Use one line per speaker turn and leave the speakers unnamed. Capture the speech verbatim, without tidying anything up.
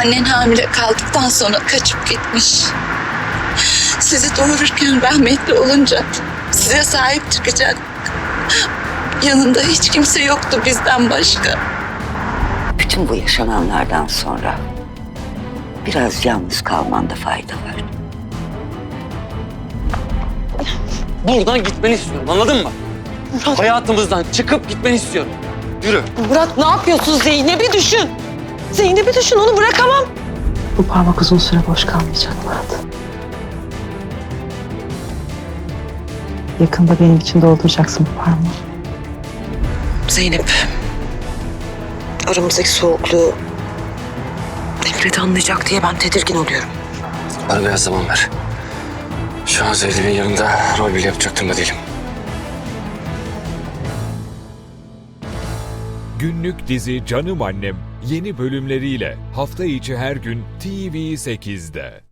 Annen hamile kaldıktan sonra kaçıp gitmiş. Sizi doğururken rahmetli olunca size sahip çıkacak. Yanında hiç kimse yoktu bizden başka.
Bütün bu yaşananlardan sonra biraz yalnız kalmanda fayda var.
Buradan gitmeni istiyorum, anladın mı? Hayatımızdan çıkıp gitmeni istiyorum. Yürü.
Murat ne yapıyorsun? Zeynep'i düşün. Zeynep'i düşün, onu bırakamam.
Bu parmak uzun süre boş kalmayacak Murat. Yakında benim için dolduracaksın bu parmağı.
Zeynep, aramızdaki soğukluğu Fikret anlayacak diye ben tedirgin oluyorum.
Bana biraz zaman ver. Şu an Zeynep'in yanında rol bile yapacaktım da değilim.
Günlük dizi Canım Annem yeni bölümleriyle hafta içi her gün T V sekizde.